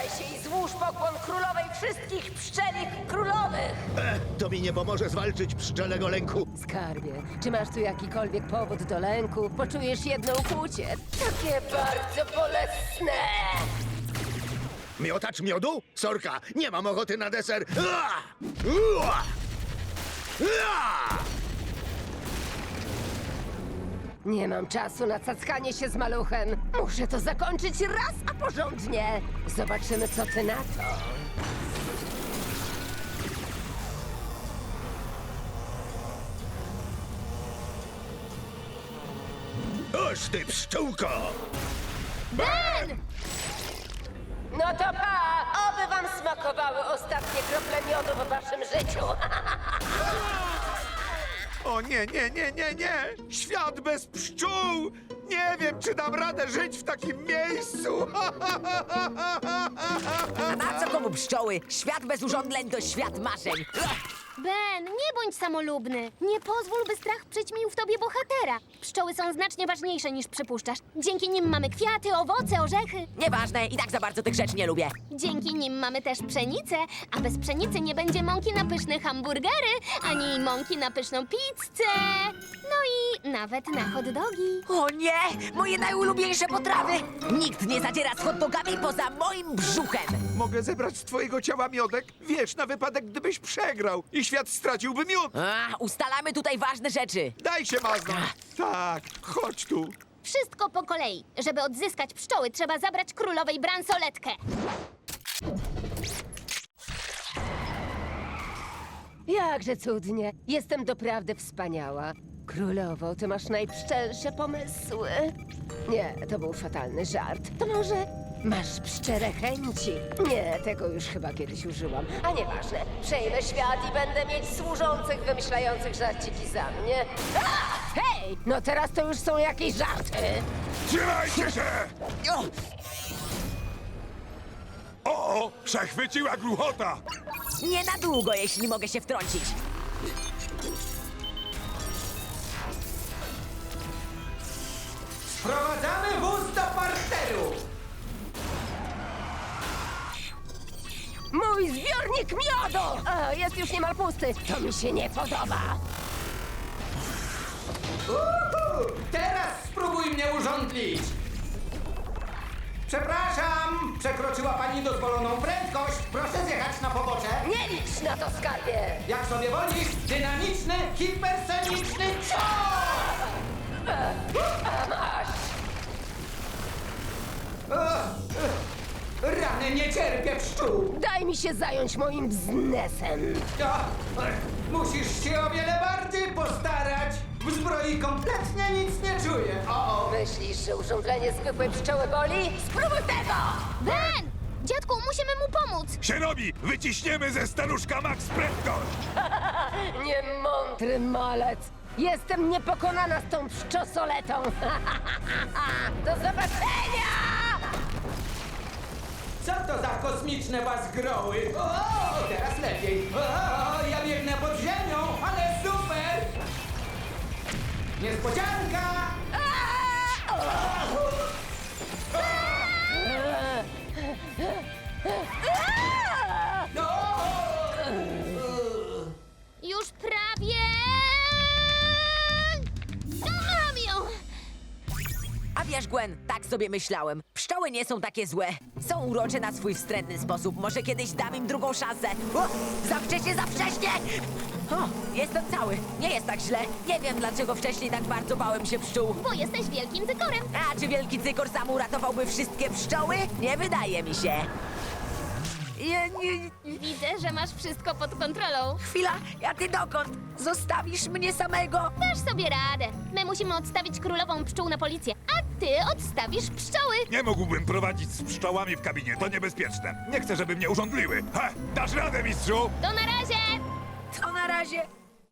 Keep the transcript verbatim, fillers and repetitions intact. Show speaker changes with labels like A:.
A: się i złóż pokłon królowej wszystkich pszczelich królowych!
B: E, to mi nie pomoże zwalczyć pszczelego lęku.
A: Skarbie, czy masz tu jakikolwiek powód do lęku? Poczujesz jedno ukłucie. Takie bardzo bolesne!
B: Miotacz miodu? Sorka, nie mam ochoty na deser. Ua! Ua! Ua!
A: Nie mam czasu na cackanie się z maluchem. Muszę to zakończyć raz, a porządnie. Zobaczymy, co ty na to.
B: Oż ty pszczółko!
A: Ben! No to pa! Oby wam smakowały ostatnie krople miodu w waszym życiu.
C: O nie, nie, nie, nie, nie! Świat bez pszczół! Nie wiem, czy dam radę żyć w takim miejscu!
D: A na co komu pszczoły? Świat bez urządzeń to świat marzeń.
E: Ben, nie bądź samolubny. Nie pozwól, by strach przyćmił w tobie bohatera. Pszczoły są znacznie ważniejsze niż przypuszczasz. Dzięki nim mamy kwiaty, owoce, orzechy.
D: Nieważne, i tak za bardzo tych rzeczy nie lubię.
E: Dzięki nim mamy też pszenicę, a bez pszenicy nie będzie mąki na pyszne hamburgery, ani mąki na pyszną pizzę. No i nawet na hot dogi.
D: O nie! Moje najulubieńsze potrawy! Nikt nie zadziera z hot dogami poza moim brzuchem!
C: Mogę zebrać z twojego ciała miodek? Wiesz, na wypadek, gdybyś przegrał i świat straciłby miód!
D: A, ustalamy tutaj ważne rzeczy.
C: Daj się maznąć! Tak, chodź tu!
E: Wszystko po kolei. Żeby odzyskać pszczoły, trzeba zabrać królowej bransoletkę.
A: Jakże cudnie. Jestem doprawdy wspaniała. Królowo, ty masz najpszczelsze pomysły. Nie, to był fatalny żart. To może masz pszczere chęci? Nie, tego już chyba kiedyś użyłam. A nieważne. Przejmę świat i będę mieć służących wymyślających żarciki za mnie. A! Hej! No teraz to już są jakieś żarty.
F: Trzymajcie się!
D: O,
F: O, o, przechwyciła gruchota!
D: nie na długo, jeśli mogę się wtrącić.
G: Sprowadzamy wóz do parteru!
A: Mój zbiornik miodu! O, jest już niemal pusty. To mi się nie podoba.
G: Uhu! Teraz spróbuj mnie urządlić! Przepraszam! Przekroczyła pani dozwoloną prędkość! Proszę zjechać na pobocze!
A: Nie licz na to, skarbie!
G: Jak sobie wolisz, dynamiczny, hipersoniczny cios!
A: Masz!
G: Rany, nie cierpię pszczół!
A: Daj mi się zająć moim biznesem.
G: O, musisz się o wiele bardziej postarać! W zbroi kompletnie nic nie czuję! O, o.
A: Myślisz, że urządzenie zwykłej pszczoły boli? Spróbuj tego!
E: Ben! Dziadku, musimy mu pomóc.
F: Się robi! Wyciśniemy ze staruszka Max prędkość!
A: Niemądry malec! Jestem niepokonana z tą pszczosoletą! Do zobaczenia!
G: Co to za kosmiczne bazgroły? O, teraz lepiej. O, ja biegnę pod ziemią, ale super! Niespodzianka!
E: Już prawie... Mam ją!
D: A wiesz, Gwen, tak sobie myślałem. Pszczoły nie są takie złe. Są urocze na swój wstrętny sposób. Może kiedyś dam im drugą szansę. O, za wcześnie, za wcześnie! O, jestem cały. Nie jest tak źle. Nie wiem, dlaczego wcześniej tak bardzo bałem się pszczół.
E: Bo jesteś wielkim cykorem.
D: A czy wielki cykor sam uratowałby wszystkie pszczoły? Nie wydaje mi się. Nie, nie,
E: Widzę, że masz wszystko pod kontrolą.
D: chwila, a ty dokąd? Zostawisz mnie samego?
E: Dasz sobie radę. My musimy odstawić królową pszczół na policję, a ty odstawisz pszczoły.
F: Nie mógłbym prowadzić z pszczołami w kabinie, to niebezpieczne. Nie chcę, żeby mnie urządliły. Ha! Dasz radę, mistrzu?
E: To na razie!
D: To na razie.